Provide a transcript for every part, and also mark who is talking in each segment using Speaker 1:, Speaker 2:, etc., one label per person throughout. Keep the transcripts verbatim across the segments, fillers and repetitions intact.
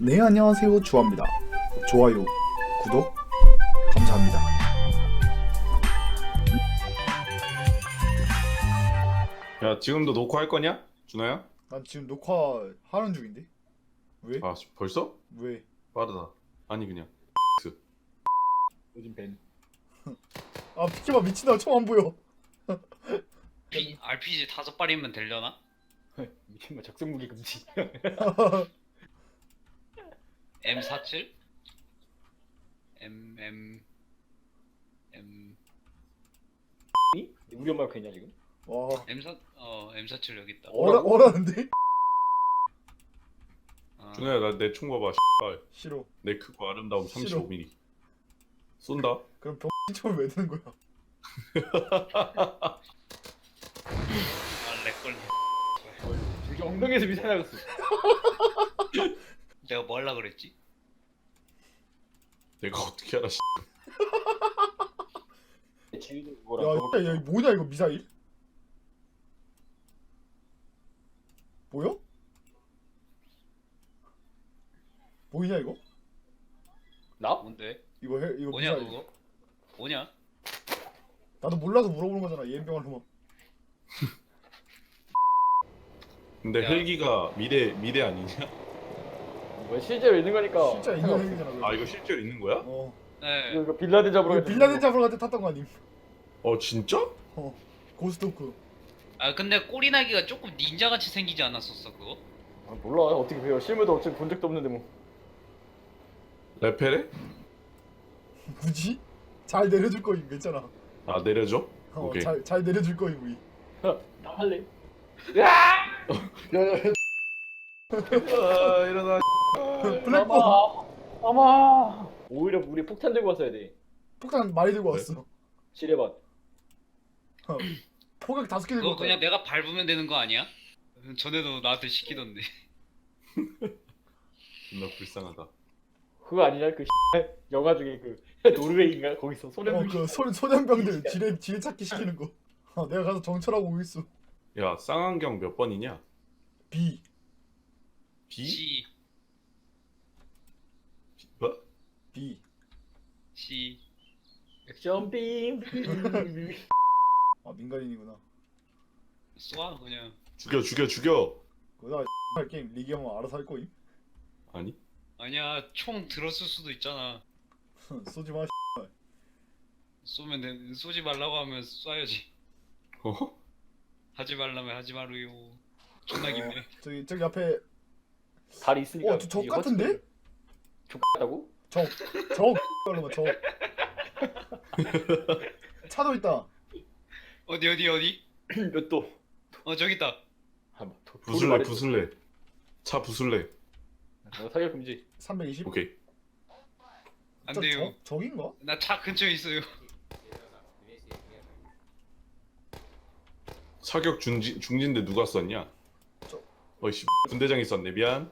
Speaker 1: 네, 안녕하세요. 주아입니다. 좋아요, 구독 감사합니다.
Speaker 2: 야, 지금도 녹화할 거냐? 준호야?
Speaker 1: 난 지금 녹화하는 중인데? 왜?
Speaker 2: 아, 벌써?
Speaker 1: 왜?
Speaker 2: 빠르다. 아니 그냥
Speaker 3: 요즘 밴.
Speaker 1: 아, 피키마 미친다. 처음 안 보여.
Speaker 4: 피, 알피지 다섯 발이면 되려나?
Speaker 3: 미친 뭐 적성 무기 금지.
Speaker 4: 엠 사십칠? M M M
Speaker 3: 우리 엄마가 그랬냐 지금?
Speaker 1: 와,
Speaker 4: M4 어 엠 사십칠 여기 있다.
Speaker 1: 어라, 어라는데?
Speaker 4: 어,
Speaker 2: 준호야, 나 내 총 봐봐. 씨발.
Speaker 1: 싫어.
Speaker 2: 내 크고 아름다움
Speaker 1: 싫어.
Speaker 2: 삼십오 밀리미터. 쏜다.
Speaker 1: 그럼 병신총을 왜 드는 거야?
Speaker 4: 아 렉걸리.
Speaker 3: 저기 엉덩이에서 미사일 나갔어.
Speaker 4: 내가 뭐 하려 그랬지?
Speaker 2: 내가 어떻게 알아? 씨.
Speaker 3: 지휘는
Speaker 1: 야,
Speaker 3: 그거랑
Speaker 1: 야, 야, 이거 뭐냐 이거 미사일? 보여? 보이냐 이거?
Speaker 3: 나?
Speaker 4: 뭔데?
Speaker 1: 이거 해, 이거
Speaker 4: 뭐냐
Speaker 1: 미사일.
Speaker 4: 그거? 뭐냐?
Speaker 1: 나도 몰라서 물어보는 거잖아. 예병할 놈아.
Speaker 2: 근데
Speaker 4: 야.
Speaker 2: 헬기가 미래 미래 아니냐?
Speaker 3: 뭐 실제로 있는 거니까.
Speaker 1: 진짜 있는 얘기잖아. 그거.
Speaker 2: 아, 이거 실제로 있는 거야?
Speaker 1: 어.
Speaker 4: 네.
Speaker 3: 이거, 이거 빌라덴 잡으러
Speaker 1: 이거
Speaker 3: 갔을
Speaker 1: 빌라덴
Speaker 3: 때
Speaker 1: 잡으러 갈 때 탔던 거 아님?
Speaker 2: 어, 진짜?
Speaker 1: 어. 고스토크.
Speaker 4: 아 근데 꼬리나기가 조금 닌자같이 생기지 않았었어 그거?
Speaker 3: 아, 몰라 어떻게 배워. 실무도 어차피 본 적도 없는데 뭐.
Speaker 2: 레페레?
Speaker 1: 굳이? 잘 내려줄 거임 괜찮아.
Speaker 2: 아, 내려줘?
Speaker 1: 어,
Speaker 2: 오케이.
Speaker 1: 잘, 잘 내려줄 거임 우리.
Speaker 3: 나 할래. 야! 야야.
Speaker 2: 아, 일어나.
Speaker 1: 블랙본
Speaker 3: 아마. 오히려 우리 폭탄 들고 왔어야 돼.
Speaker 1: 폭탄 많이 들고
Speaker 2: 네.
Speaker 1: 왔어.
Speaker 3: 지뢰밭.
Speaker 1: 어. 포격 다섯 개 들고
Speaker 4: 그거 그냥
Speaker 1: 왔다.
Speaker 4: 내가 밟으면 되는 거 아니야? 전에도 나한테 시키던데.
Speaker 2: 존나 불쌍하다.
Speaker 3: 그거 아니냐 그 영화 중에 그 노르웨이인가 거기서 소련.
Speaker 1: 어, 그 소, 소년병들 지뢰 지뢰 찾기 시키는 거. 어, 내가 가서 정찰하고 오겠어.
Speaker 2: 야, 쌍안경 몇 번이냐?
Speaker 1: B.
Speaker 2: B?
Speaker 4: C
Speaker 2: 뭐?
Speaker 1: B.
Speaker 4: C
Speaker 3: 액션 빔.
Speaker 1: 아 민간인이구나.
Speaker 4: 쏴 그냥.
Speaker 2: 죽여, 죽여, 죽여.
Speaker 1: 그거다 할 게임 리기 형은 알아서 할 거임.
Speaker 2: 아니?
Speaker 4: 아니야 총 들었을 수도 있잖아.
Speaker 1: 쏘지 마.
Speaker 4: 쏘면 돼. 쏘지 말라고 하면 쏴야지.
Speaker 2: 어?
Speaker 4: 하지 말라면 하지 마루요. 존나 깊네.
Speaker 1: 어, 저기 저기 앞에
Speaker 3: 다리 있으니까.
Speaker 1: 어, 저- 적 같은데?
Speaker 3: 족같다고?
Speaker 1: 적적 걸로만 적. 차도 있다.
Speaker 4: 어디 어디 어디?
Speaker 3: 몇 도?
Speaker 4: 어 저기 있다.
Speaker 3: 아, 뭐, 도,
Speaker 2: 부술래, 부술래. 차 부술래.
Speaker 3: 어, 사격 금지.
Speaker 1: 삼백이십.
Speaker 2: 오케이.
Speaker 4: 안
Speaker 1: 저
Speaker 4: 돼요.
Speaker 1: 적, 적인가?
Speaker 4: 나 차 근처에 있어요.
Speaker 2: 사격 중지, 중진데 누가 썼냐?
Speaker 1: 저-
Speaker 2: 어이씨, 분대장이 썼네. 미안.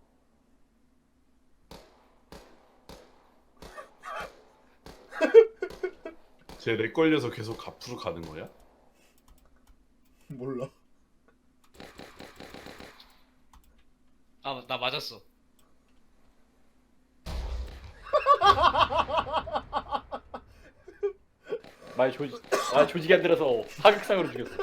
Speaker 2: 쟤렉 걸려서 계속 앞으로 가는 거야?
Speaker 1: 몰라.
Speaker 4: 아 나 맞았어.
Speaker 3: 말 조지, 말 조직이 안 들어서 사격상으로 죽였어.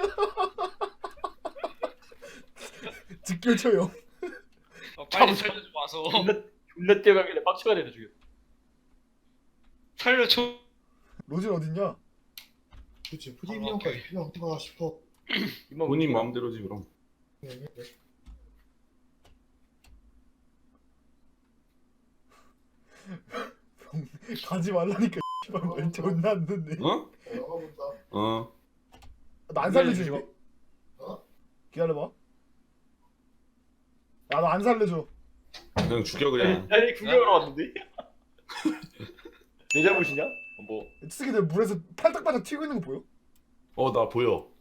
Speaker 1: 직결 처형.
Speaker 4: 어, 빨리
Speaker 3: 참,
Speaker 4: 살려줘 와서.
Speaker 3: 존나 존나 뛰어가길래 빡쳐가 내려 죽였어.
Speaker 4: 살려줘.
Speaker 1: 로진 어딨냐?
Speaker 5: 그치
Speaker 4: 아,
Speaker 5: 프리미엄까지
Speaker 4: 오케이.
Speaker 5: 필요한가 싶어.
Speaker 3: 이만
Speaker 2: 본인
Speaker 3: 웃기나?
Speaker 2: 마음대로지 그럼.
Speaker 5: 네, 네.
Speaker 1: 가지 말라니까. 씨발 말 존나 안 듣네.
Speaker 2: 어?
Speaker 5: 나가본다.
Speaker 2: 어.
Speaker 1: 나 안 살려줘.
Speaker 3: 기다려주지
Speaker 1: 이제.
Speaker 5: 어?
Speaker 1: 기다려봐. 야 너 안 살려줘.
Speaker 2: 그냥 죽여 그냥.
Speaker 3: 아니 구경하러 왔는데. 내 잘못이냐? 어, 뭐
Speaker 1: 이 새끼들 물에서 팔딱팔딱 튀고 있는 거 보여?
Speaker 2: 어, 나 보여.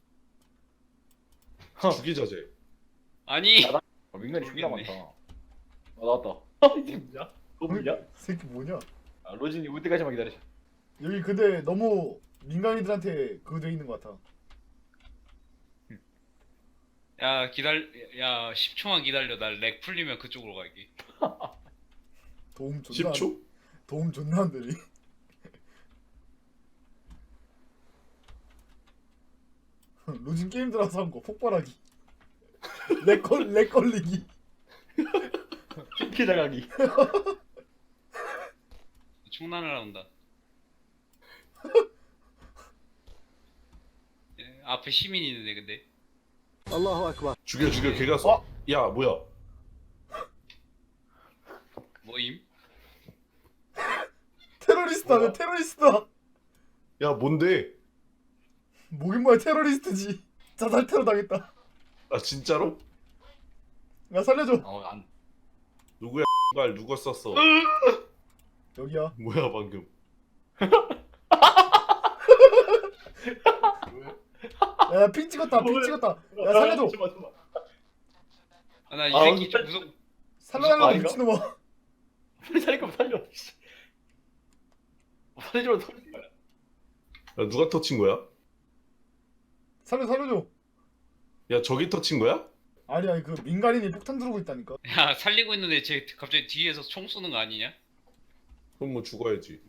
Speaker 3: 허.
Speaker 2: 죽이자 쟤.
Speaker 4: 아니.
Speaker 3: 아, 민간이 존나
Speaker 4: 모르겠네.
Speaker 3: 많다. 아 나왔다. 이게 뭐냐? 너 뭐냐?
Speaker 1: 이 새끼 뭐냐?
Speaker 3: 아, 로진이 올 때까지만 기다려.
Speaker 1: 여기 근데 너무 민간인들한테 그거 돼 있는 것 같아.
Speaker 4: 야 기다려. 야 십 초만 기다려. 나 렉 풀리면 그쪽으로 갈게.
Speaker 1: 도움 존나
Speaker 2: 십 초?
Speaker 1: 도움 존나 안 되니. 로진 게임 들어서 한 거 폭발하기. 렉걸 렉 걸리기.
Speaker 3: 핑크 나가기.
Speaker 4: 총난을 나온다. 예, 앞에 시민이 있는데 근데.
Speaker 2: 죽여 죽여 걔가 쏴. 야 뭐야?
Speaker 4: 뭐임?
Speaker 1: 테러리스트다.
Speaker 2: 뭐야?
Speaker 1: 내 테러리스트다.
Speaker 2: 야 뭔데?
Speaker 1: 뭐긴 뭐야 테러리스트지. 자살 테러 당했다.
Speaker 2: 아 진짜로?
Speaker 1: 야 살려줘.
Speaker 3: 어, 안.
Speaker 2: 누구야? 말 누가 쐈어?
Speaker 1: 여기야.
Speaker 2: 뭐야 방금?
Speaker 1: 야 핑 찍었다. 핑 찍었다. 야 살려줘.
Speaker 3: 잠깐만, 잠깐만.
Speaker 4: 아, 나 이
Speaker 3: 아,
Speaker 4: 새끼
Speaker 3: 진짜-
Speaker 4: 좀 무섭.
Speaker 1: 살려달라고
Speaker 3: 아닌가?
Speaker 1: 미친놈아.
Speaker 3: 빨리 살릴 거면 살려. 씨. 살리지만 살리지 마.
Speaker 2: 야 누가 터친 거야?
Speaker 1: 살려 살려줘.
Speaker 2: 야 저기 터친 거야?
Speaker 1: 아니 아니 그 민간인이 폭탄 들고 있다니까.
Speaker 4: 야 살리고 있는데 쟤 갑자기 뒤에서 총 쏘는 거 아니냐?
Speaker 2: 그럼 뭐 죽어야지.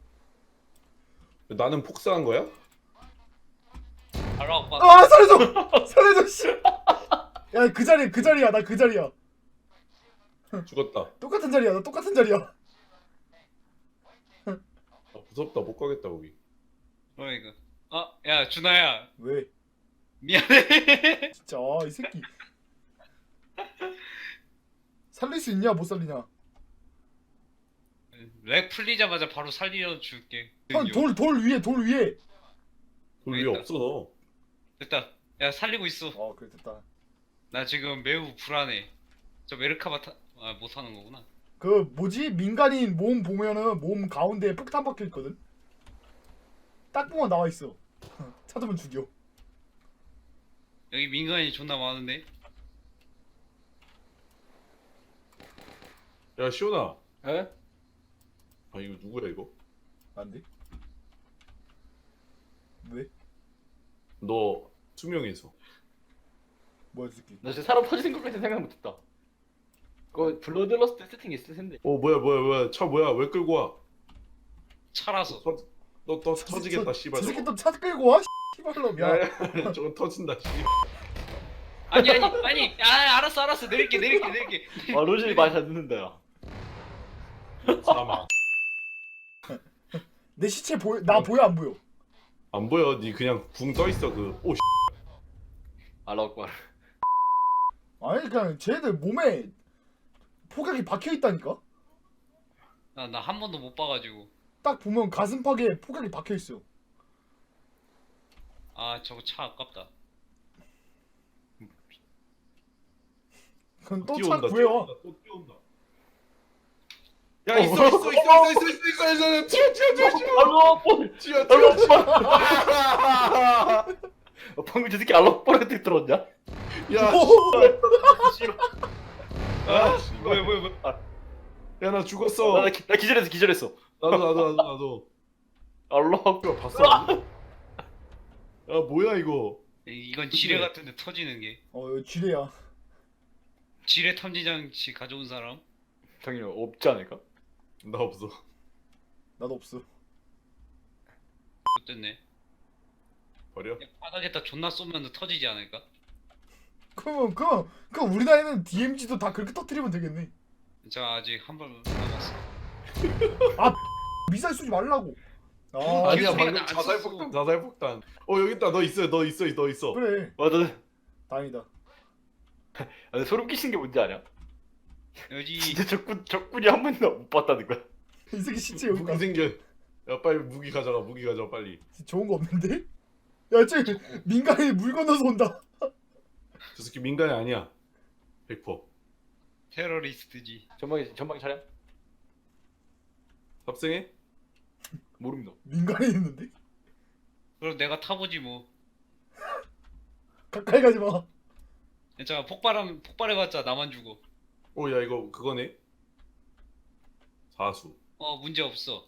Speaker 2: 나는 폭사한 거야?
Speaker 4: 바로 아빠.
Speaker 1: 아 살려줘. 살려줘 씨. 야 그 자리 그 자리야. 나 그 자리야.
Speaker 2: 죽었다.
Speaker 1: 똑같은 자리야. 나 똑같은 자리야.
Speaker 2: 아, 무섭다 못 가겠다 거기.
Speaker 4: 그러니까. 아, 야 준아야
Speaker 1: 왜?
Speaker 4: 미안해.
Speaker 1: 진짜 아, 이 새끼. 살릴 수 있냐 못 살리냐?
Speaker 4: 렉 풀리자마자 바로 살려 줄게.
Speaker 1: 형 돌 돌 위에 돌 위에.
Speaker 2: 돌 위에
Speaker 4: 있다.
Speaker 2: 없어 너.
Speaker 4: 됐다. 야 살리고 있어.
Speaker 1: 어 그래 됐다.
Speaker 4: 나 지금 매우 불안해. 저 메르카바 타... 아, 못 하는 거구나.
Speaker 1: 그 뭐지 민간인 몸 보면은 몸 가운데에 폭탄 박혀 있거든. 딱 보면 나와 있어. 찾으면 죽여.
Speaker 4: 여기 민간인 존나 많은데.
Speaker 2: 야 시온아.
Speaker 3: 에?
Speaker 2: 아 이거 누구야 이거?
Speaker 1: 안 돼? 왜?
Speaker 2: 너 투명해서.
Speaker 1: 뭐야 이 새끼?
Speaker 3: 나 진짜 사람 터지는 것까지 생각 못했다. 그거 블러드러스트 세팅 있을 텐데.
Speaker 2: 어 뭐야 뭐야 뭐야 차 뭐야 왜 끌고 와?
Speaker 4: 차라서.
Speaker 2: 터, 너, 너 터지겠다
Speaker 1: 저-
Speaker 2: 씨발.
Speaker 1: 저 새끼
Speaker 2: 저거.
Speaker 1: 또 차 끌고 와? 씨발놈 야.
Speaker 2: 야야 저거 터진다 씨.
Speaker 4: 아니 아니 아니. 아 알았어 알았어 내릴게 내릴게 내릴게.
Speaker 3: 아 로진이 많이 잘 듣는다 야.
Speaker 2: 사망.
Speaker 1: 내 시체 보여? 나 보여 안 보여?
Speaker 2: 안 보여. 니 그냥 붕 떠 있어 그. 오 씨.
Speaker 3: 알라고.
Speaker 1: 아니 그냥 쟤들 몸에 폭약이 박혀 있다니까.
Speaker 4: 나나 한 번도 못 봐가지고.
Speaker 1: 딱 보면 가슴팍에 폭약이 박혀 있어.
Speaker 4: 아 저거 차 아깝다.
Speaker 1: 그럼 또 차
Speaker 2: 뛰어온다,
Speaker 1: 구해와.
Speaker 2: 뛰어온다, 또 뛰어온다. 야 있어 있어 있어 있어 있어 있어 있어 있어 튀어 튀어 튀어 튀어
Speaker 3: 알로 볼.
Speaker 2: 튀어 튀어 튀어.
Speaker 3: 어, 방금 저 새끼 알로 볼한테 들었냐?
Speaker 2: 야,
Speaker 3: 싫어.
Speaker 2: 아,
Speaker 4: 뭐야 뭐야 뭐야.
Speaker 2: 야나 죽었어.
Speaker 3: 나, 기, 나 기절했어 기절했어.
Speaker 2: 나도 나도 나도 나도.
Speaker 3: 알로.
Speaker 2: 이거 봤어? 야 뭐야 이거?
Speaker 4: 이건 지뢰 같은데 터지는 게.
Speaker 1: 어 이거 쥐레야.
Speaker 4: 지뢰 탐지 장치 가져온 사람?
Speaker 3: 당연히 없지 않을까?
Speaker 2: 나 없어.
Speaker 1: 나도 없어.
Speaker 4: 어땠네.
Speaker 2: 버려.
Speaker 4: 야, 바닥에다 존나 쏘면 터지지 않을까?
Speaker 1: 그럼 그럼 그럼 우리 나이는 디엠지도 다 그렇게 터뜨리면 되겠네.
Speaker 4: 저 아직 한 발 남았어.
Speaker 1: 미사일 쏘지 말라고. 아
Speaker 2: 아니야
Speaker 4: 소리가
Speaker 2: 방금
Speaker 4: 나안
Speaker 2: 자살
Speaker 4: 썼어.
Speaker 2: 폭탄 자살 폭탄. 어 여기 있다. 너 있어 너 있어 너 있어.
Speaker 1: 그래.
Speaker 3: 맞아.
Speaker 1: 다행이다.
Speaker 3: 아, 소름 끼치는 게 뭔지 아냐?
Speaker 4: 여기
Speaker 3: 진짜 적군 적군이 한 번도 못 봤다는 거야.
Speaker 1: 이 새끼 시체 여기
Speaker 2: 무기
Speaker 1: 가.
Speaker 2: 생겨. 야 빨리 무기 가져가 무기 가져가 빨리.
Speaker 1: 좋은 거 없는데? 야쟤 민간인이 물 건너서 온다.
Speaker 2: 저 새끼 민간이 아니야. 백 퍼센트.
Speaker 4: 테러리스트지.
Speaker 3: 전방에 전방에 차량?
Speaker 2: 탑승해?
Speaker 3: 모릅니다.
Speaker 1: 민간인 있는데?
Speaker 4: 그럼 내가 타보지 뭐.
Speaker 1: 가까이 가지 마.
Speaker 4: 괜찮아 폭발하면 폭발해봤자 나만 죽어.
Speaker 2: 오 야 이거 그거네. 사수.
Speaker 4: 어 문제 없어.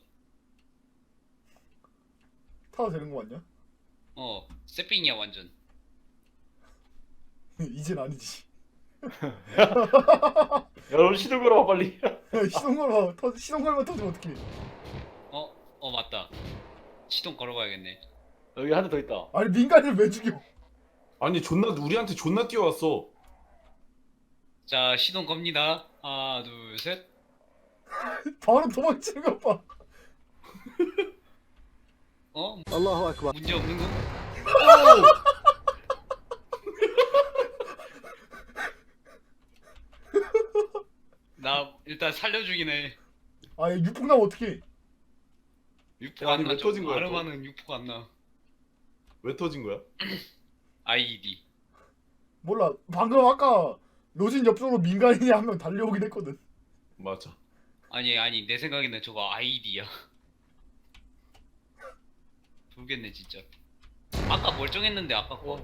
Speaker 1: 타도 되는 거 맞냐?
Speaker 4: 어 세핑이야 완전.
Speaker 1: 이젠 아니지.
Speaker 3: 야, 너 시동 걸어봐 빨리.
Speaker 1: 시동 걸어 터 시동 걸면 터지면 어떡해?
Speaker 4: 어? 어 맞다. 시동 걸어봐야겠네.
Speaker 3: 여기 한 대 더 있다.
Speaker 1: 아니 민간인을 왜 죽여?
Speaker 2: 아니 존나 우리한테 존나 뛰어왔어.
Speaker 4: 자 시동 겁니다. 하나 둘 셋.
Speaker 1: 바로 도망치는 것 봐.
Speaker 4: 어?
Speaker 5: الله أكبر.
Speaker 4: 문제 없는 거? 나 일단 살려주긴 해.
Speaker 1: 아 육폭 나면 어떡해?
Speaker 4: 육포가
Speaker 2: 야,
Speaker 4: 안
Speaker 2: 아니, 왜
Speaker 4: 나죠.
Speaker 2: 터진 거야, 또?
Speaker 4: 아르마는 육포가 안 나.
Speaker 2: 왜 터진 거야?
Speaker 4: 아이디.
Speaker 1: 몰라. 방금 아까 로진 옆쪽으로 민간인이 한 명 달려오긴 했거든.
Speaker 2: 맞아.
Speaker 4: 아니 아니 내 생각에는 저거 아이디야. 모르겠네 진짜. 아까 멀쩡했는데 아까 거.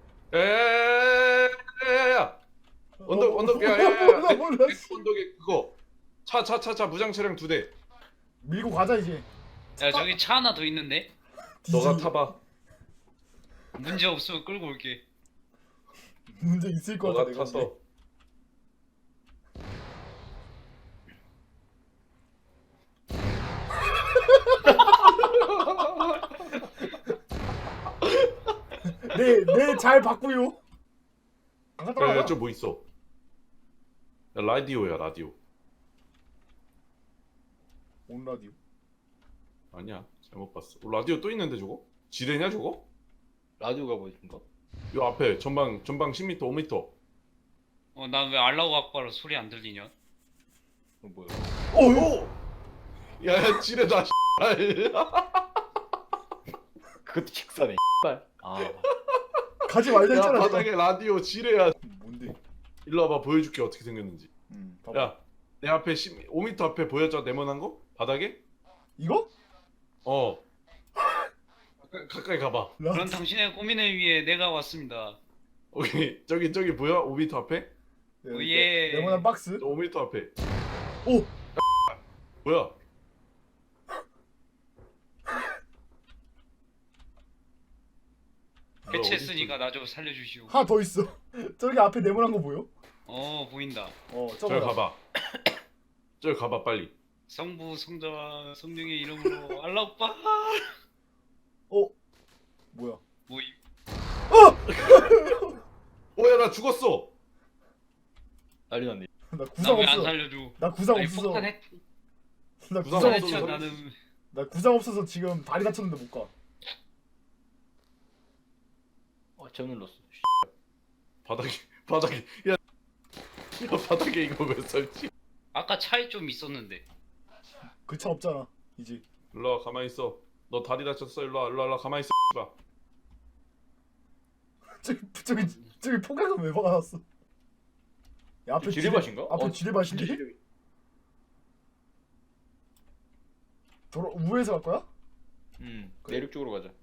Speaker 2: 야야야야야야야. 언덕
Speaker 1: 어,
Speaker 2: 언덕 야야야.
Speaker 1: 몰라 몰라. 씨.
Speaker 2: 언덕에 그거 차 차 차 차 무장 차량 두 대.
Speaker 1: 밀고 가자 이제.
Speaker 4: 야 저기 차 하나 더 있는데.
Speaker 2: 너가
Speaker 1: 뒤지-
Speaker 2: 타봐.
Speaker 4: 문제 없으면 끌고 올게.
Speaker 1: 문제 있을 것 같아
Speaker 2: 너가
Speaker 1: 내가.
Speaker 2: 타서.
Speaker 1: 네네잘 봤고요. 안 갔다
Speaker 2: 야야
Speaker 1: 와.
Speaker 2: 저뭐 있어? 야 라디오야 라디오.
Speaker 1: 온 라디오.
Speaker 2: 아니야 잘못 봤어. 어, 라디오 또 있는데 저거? 지뢰냐 저거?
Speaker 3: 라디오가 뭐 있는가?
Speaker 2: 요 앞에 전방 전방 십 미터 오 미터.
Speaker 4: 어 난 왜 알라우 악바로 소리 안 들리냐?
Speaker 3: 어, 뭐야?
Speaker 1: 어?
Speaker 2: 야야 지뢰다.
Speaker 3: 그것도 직사네. 아,
Speaker 1: 가지 말자
Speaker 2: 야
Speaker 1: 했잖아. 내가.
Speaker 2: 바닥에 라디오 지뢰야.
Speaker 1: 뭔데?
Speaker 2: 일로 와봐 보여줄게 어떻게 생겼는지.
Speaker 1: 음, 봐봐.
Speaker 2: 야 내 앞에 십, 오 미터 앞에 보여줘 네모난 거? 바닥에?
Speaker 1: 이거?
Speaker 2: 어. 가까이, 가까이 가봐.
Speaker 1: 라...
Speaker 4: 그런 당신의 고민을 위해 내가 왔습니다.
Speaker 2: 오케이 저기 저기 보여? 오 미터 앞에?
Speaker 1: 네,
Speaker 4: 오예.
Speaker 1: 네모난 박스.
Speaker 2: 저 오 미터 앞에.
Speaker 1: 오.
Speaker 2: 뭐야?
Speaker 4: 해체했으니까 나 좀 살려주시오.
Speaker 1: 하나 더 있어. 저기 앞에 네모난 거 보여?
Speaker 4: 어 보인다.
Speaker 1: 어,
Speaker 2: 저기
Speaker 1: 저거.
Speaker 2: 가봐. 저기 가봐 빨리.
Speaker 4: 성부 성자와 성령의 이름으로 알라 오빠.
Speaker 1: 어. 뭐야?
Speaker 4: 뭐 이-
Speaker 2: 오야 나 죽었어.
Speaker 3: 난리 났네.
Speaker 1: 나 구상
Speaker 4: 나왜 안
Speaker 1: 없어.
Speaker 4: 살려줘?
Speaker 1: 나 구상
Speaker 4: 아니,
Speaker 1: 없어서.
Speaker 4: 폭탄 했.
Speaker 1: 나
Speaker 2: 구상
Speaker 1: 구상
Speaker 2: 없어서
Speaker 1: 없어서.
Speaker 4: 했죠
Speaker 2: 살릴
Speaker 4: 나는.
Speaker 1: 나 구상 없어서 지금 다리 다쳤는데 못 가.
Speaker 3: 어, 잘못 눌렀어.
Speaker 2: 바닥에 바닥에 야, 야 바닥에 이거 왜 설치?
Speaker 4: 아까 차에 좀 있었는데.
Speaker 1: 그 차 없잖아. 이제.
Speaker 2: 일로 와 가만히 있어. 너 다리 다쳤어. 일로 와 일로 와, 일로 와 가만히 있어. 봐.
Speaker 1: 저기 저기 저기 포각은 왜 박아놨어? 야, 앞에
Speaker 3: 지뢰밭인가?
Speaker 1: 앞에
Speaker 3: 어,
Speaker 1: 지뢰밭인데?
Speaker 3: 진짜 지뢰-
Speaker 1: 돌아 우회해서 갈 거야?
Speaker 3: 음,
Speaker 1: 그래.
Speaker 3: 내륙 쪽으로 가자.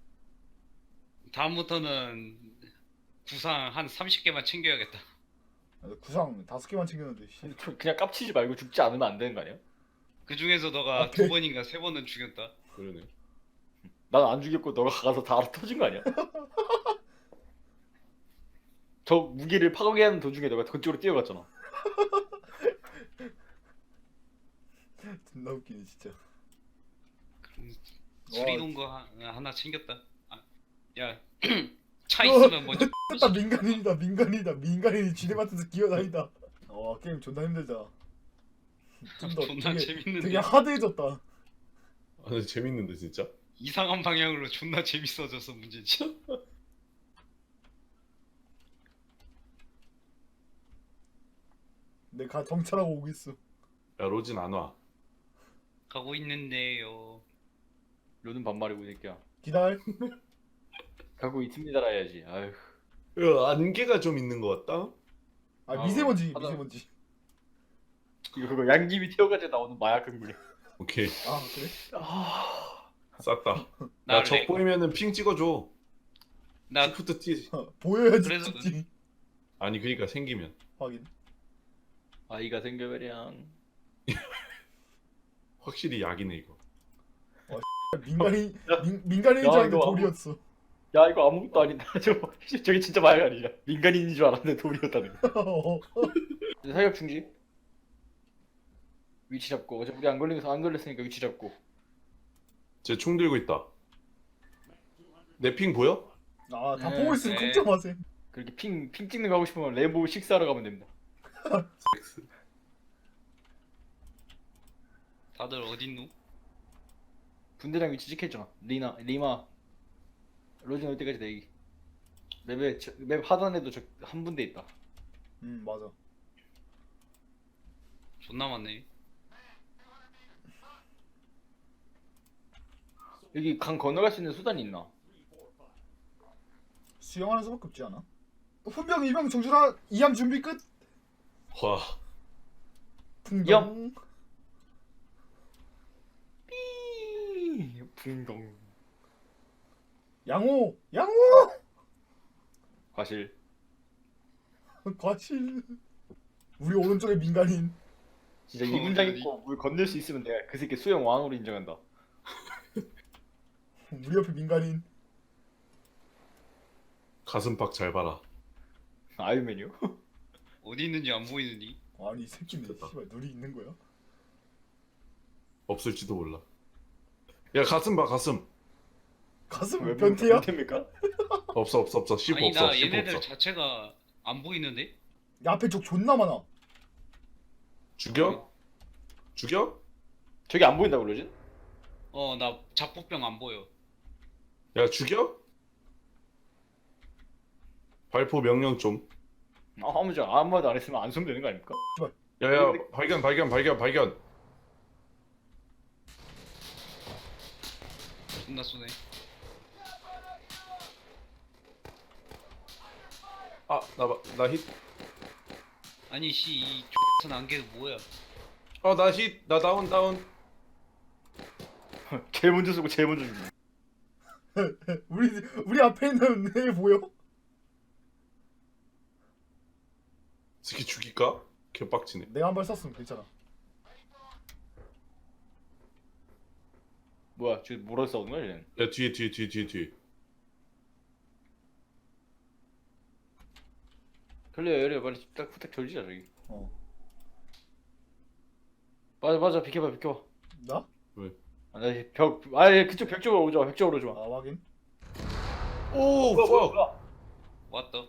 Speaker 4: 다음부터는 구상 한 삼십 개만 챙겨야겠다.
Speaker 1: 아, 나 구상 다섯 개만 챙겼는데. 씨.
Speaker 3: 근데 좀 그냥 깝치지 말고 죽지 않으면 안 되는 거 아니야?
Speaker 4: 그 중에서 너가
Speaker 1: 오케이.
Speaker 4: 두 번인가 세 번은 죽였다.
Speaker 2: 그러네.
Speaker 3: 난 안 죽였고 너가 가서 다 알아 터진 거 아니야? 저 무기를 파괴하는 도중에 너가 그쪽으로 뛰어갔잖아.
Speaker 1: 존나 웃기네 진짜.
Speaker 4: 그럼
Speaker 1: 와.
Speaker 4: 수리동 거 하- 하나 챙겼다. 아, 야, 차 있으면 먼저.
Speaker 1: 나 민간인이다 민간인이다 민간인이 지뢰밭에서 기어다니다. 와 게임 존나 힘들다. 좀더
Speaker 4: 존나
Speaker 1: 되게,
Speaker 4: 재밌는데.
Speaker 1: 되게 하드해졌다.
Speaker 2: 아 근데 재밌는데 진짜.
Speaker 4: 이상한 방향으로 존나 재밌어져서 문제지.
Speaker 1: 내가 정찰하고 오고 있어.
Speaker 2: 야 로진 안 와.
Speaker 4: 가고 있는데요.
Speaker 3: 너는 반말이고 이 새끼야.
Speaker 1: 기다려.
Speaker 3: 가고 있습니다라 해야지. 아휴.
Speaker 2: 야 안개가 좀 있는 것 같다.
Speaker 1: 아
Speaker 3: 아,
Speaker 1: 미세먼지
Speaker 3: 하다-
Speaker 1: 미세먼지.
Speaker 3: 이거 그거 양귀비 튀어가지고 나오는 마약 흥분이.
Speaker 2: 오케이
Speaker 1: 아 그래?
Speaker 3: 아.
Speaker 2: 쌌다.
Speaker 4: 나
Speaker 2: 나적
Speaker 4: 렉-
Speaker 2: 보이면은 핑 찍어줘.
Speaker 4: 나
Speaker 2: 시프트 T.
Speaker 1: 어, 보여야지
Speaker 4: 그래서
Speaker 1: 찍지.
Speaker 2: 아니 그러니까 생기면.
Speaker 1: 확인.
Speaker 3: 아이가 생겨버량.
Speaker 2: 확실히 약이네 이거.
Speaker 1: 민간인
Speaker 3: 야.
Speaker 1: 민, 민간인인 줄
Speaker 3: 야,
Speaker 1: 알았는데
Speaker 3: 이거
Speaker 1: 돌이었어.
Speaker 3: 야 이거 아무것도 아니다. 저거 저게 진짜 말 아니야. 민간인인 줄 알았는데 돌이었다는 거. 사격 중지. 위치 잡고 어차피 우리 안 걸리면서 안 걸렸으니까 위치 잡고.
Speaker 2: 쟤 총 들고 있다. 내 핑 보여?
Speaker 1: 아, 다
Speaker 3: 네,
Speaker 1: 보고 있으면
Speaker 4: 네.
Speaker 1: 걱정 마세요.
Speaker 3: 그렇게 핑 핑 찍는 거 하고 싶으면 레보 식사하러 가면 됩니다.
Speaker 4: 다들 어딨노?
Speaker 3: 분대장 위치 찍혔잖아. 리나 리마 로진 올 때까지 대기. 맵에 저- 맵 하단에도 저 한 분대 있다.
Speaker 1: 음, 맞아.
Speaker 4: 존나 많네.
Speaker 3: 여기 강 건너갈 수 있는 수단이 있나?
Speaker 1: 수영하는 수밖에 없지 않아? 훈병, 이병, 정준하, 이함 준비 끝.
Speaker 2: 와.
Speaker 1: 풍경.
Speaker 3: 삐 붕덩.
Speaker 1: 양호, 양호.
Speaker 3: 과실.
Speaker 1: 과실. 우리 오른쪽에 민간인.
Speaker 3: 진짜
Speaker 4: 어,
Speaker 3: 이 분장
Speaker 4: 아니.
Speaker 3: 입고 물 건널 수 있으면 내가 그 새끼 수영 왕으로 인정한다.
Speaker 1: 우리 옆에 민간인.
Speaker 2: 가슴팍 잘 봐라.
Speaker 3: 아이유맨이요?
Speaker 4: 어디 있는지 안 보이느니?
Speaker 1: 아니 이 새끼네.
Speaker 2: 됐다.
Speaker 1: 씨발 눈이 있는 거야?
Speaker 2: 없을지도 몰라. 야 가슴 봐 가슴.
Speaker 1: 가슴
Speaker 3: 왜
Speaker 1: 변태야?
Speaker 3: 변태입니까?
Speaker 2: 없어 없어 없어. 씹
Speaker 4: 아니
Speaker 2: 없어
Speaker 4: 나
Speaker 2: 씹
Speaker 4: 얘네들
Speaker 2: 없어.
Speaker 4: 자체가 안 보이는데?
Speaker 1: 야, 앞에 적 존나 많아.
Speaker 2: 죽여? 죽여?
Speaker 3: 저기 안 보인다고 그러지?
Speaker 4: 어 나 잡폭병 안 보여.
Speaker 2: 야 죽여? 발포 명령 좀.
Speaker 3: 아, 아무 저 아무 말도 안 했으면 안 쏘면 되는 거 아닙니까?
Speaker 2: 야야 발견 발견 발견 발견.
Speaker 4: 존나 쏘네.
Speaker 2: 아나나 힛.
Speaker 4: 아니 씨이 X선 안개 뭐야?
Speaker 2: 어나 힛. 나 다운 다운.
Speaker 3: 제일 먼저 쏘고 제일 먼저 죽는.
Speaker 1: 우리 우리 앞에 있는 애 보여?
Speaker 2: 새끼 죽일까? 개빡치네.
Speaker 1: 내가 한 발 쐈으면 괜찮아.
Speaker 3: 뭐야? 저 뭐라 싸우는 거야 얘는?
Speaker 2: 야 뒤에 뒤에 뒤에 뒤에 뒤에.
Speaker 3: 걸려 열려 빨리 딱 후딱 졸지자 저기.
Speaker 1: 어.
Speaker 3: 맞아 맞아 비켜봐 비켜봐.
Speaker 1: 나?
Speaker 3: 아나벽 아예 그쪽 벽 쪽으로 오지 마. 벽 쪽으로 오지 마.
Speaker 1: 아, 확인.
Speaker 2: 오
Speaker 3: 뭐야, 뭐야,
Speaker 2: 퍽.
Speaker 3: 뭐야.
Speaker 4: 왔다.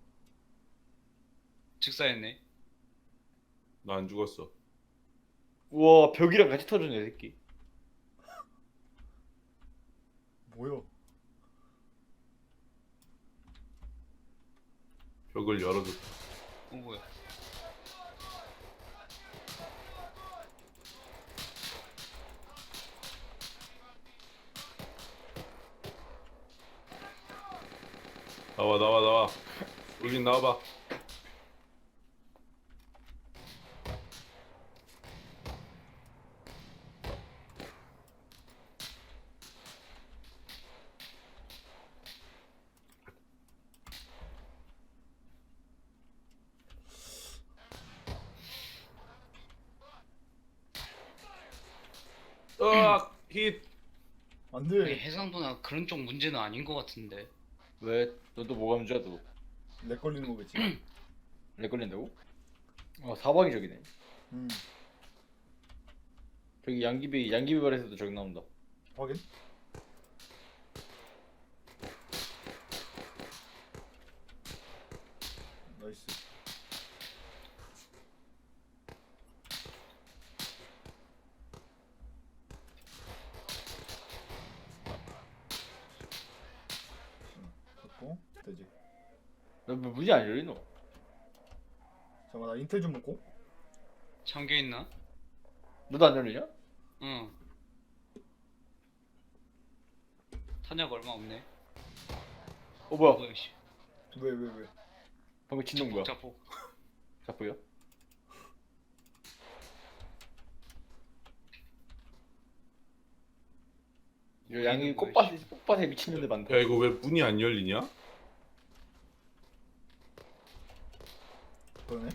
Speaker 4: 즉사했네.
Speaker 2: 나 안 죽었어.
Speaker 3: 우와 벽이랑 같이 터졌네 이 새끼.
Speaker 1: 뭐야?
Speaker 2: 벽을 열어줬다.
Speaker 4: 어 뭐야?
Speaker 2: 나와 나와 나와. 여긴 나와봐. 으악 힛.
Speaker 1: 안
Speaker 4: 아니,
Speaker 1: 돼.
Speaker 4: 해상도나 그런 쪽 문제는 아닌 것 같은데.
Speaker 3: 왜? 너도 뭐가 문제야 너?
Speaker 1: 렉 걸리는 거겠지.
Speaker 3: 렉 걸린다고? 아 사방이 저기네.
Speaker 1: 음.
Speaker 3: 저기 양귀비 양귀비 발에서도 저기 나온다.
Speaker 1: 확인. 나이스. 됐고 되지.
Speaker 3: 너 문이 안 열리노?
Speaker 1: 잠깐 나 인텔 좀 먹고.
Speaker 4: 잠겨 있나?
Speaker 3: 너도 안 열리냐?
Speaker 4: 응. 탄약 얼마 없네.
Speaker 3: 어 뭐야?
Speaker 4: 뭐야 씨.
Speaker 1: 왜 왜 왜?
Speaker 3: 방금 진동 뭐야?
Speaker 4: 자폭.
Speaker 3: 자꾸요? 이거 양이
Speaker 4: 뭐야,
Speaker 3: 꽃밭에 꽃밭에 미친년들 많다.
Speaker 2: 야 이거 왜 문이 안 열리냐?
Speaker 1: 그러네.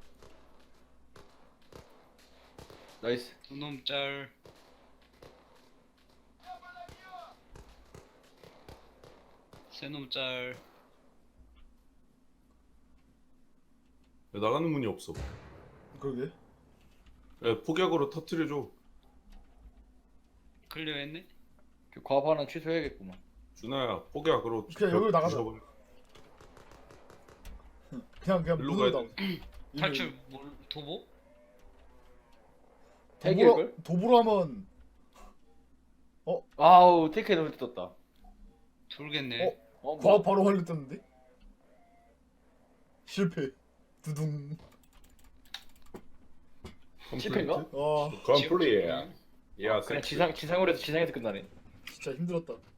Speaker 3: 나이스.
Speaker 4: 두놈 짤. 새놈 짤.
Speaker 2: 왜 나가는 문이 없어?
Speaker 1: 그러게.
Speaker 2: 야, 폭약으로 터트려줘.
Speaker 4: 클리어했네?
Speaker 3: 그 과업 하나 취소해야겠구만.
Speaker 2: 준아야, 폭약으로
Speaker 1: 그냥 여기로 나가자.
Speaker 2: 부숴버려.
Speaker 1: 그냥 그냥
Speaker 2: 일로
Speaker 1: 문으로
Speaker 2: 가야
Speaker 1: 나오.
Speaker 4: 탈출 뭘 도보?
Speaker 1: 도보로
Speaker 3: 해결걸?
Speaker 1: 도보로 하면
Speaker 3: 아우 테크에 너무 떴다.
Speaker 4: 돌겠네.
Speaker 1: 어?
Speaker 3: 어
Speaker 1: 과학
Speaker 3: 뭐?
Speaker 1: 바로 활로 떴는데? 실패. 두둥.
Speaker 3: 실패인가?
Speaker 1: 아
Speaker 2: 컴플리트.
Speaker 4: 지옥
Speaker 2: 야,
Speaker 3: 그냥 지상 지상으로 해서 지상에서 끝나네.
Speaker 1: 진짜 힘들었다.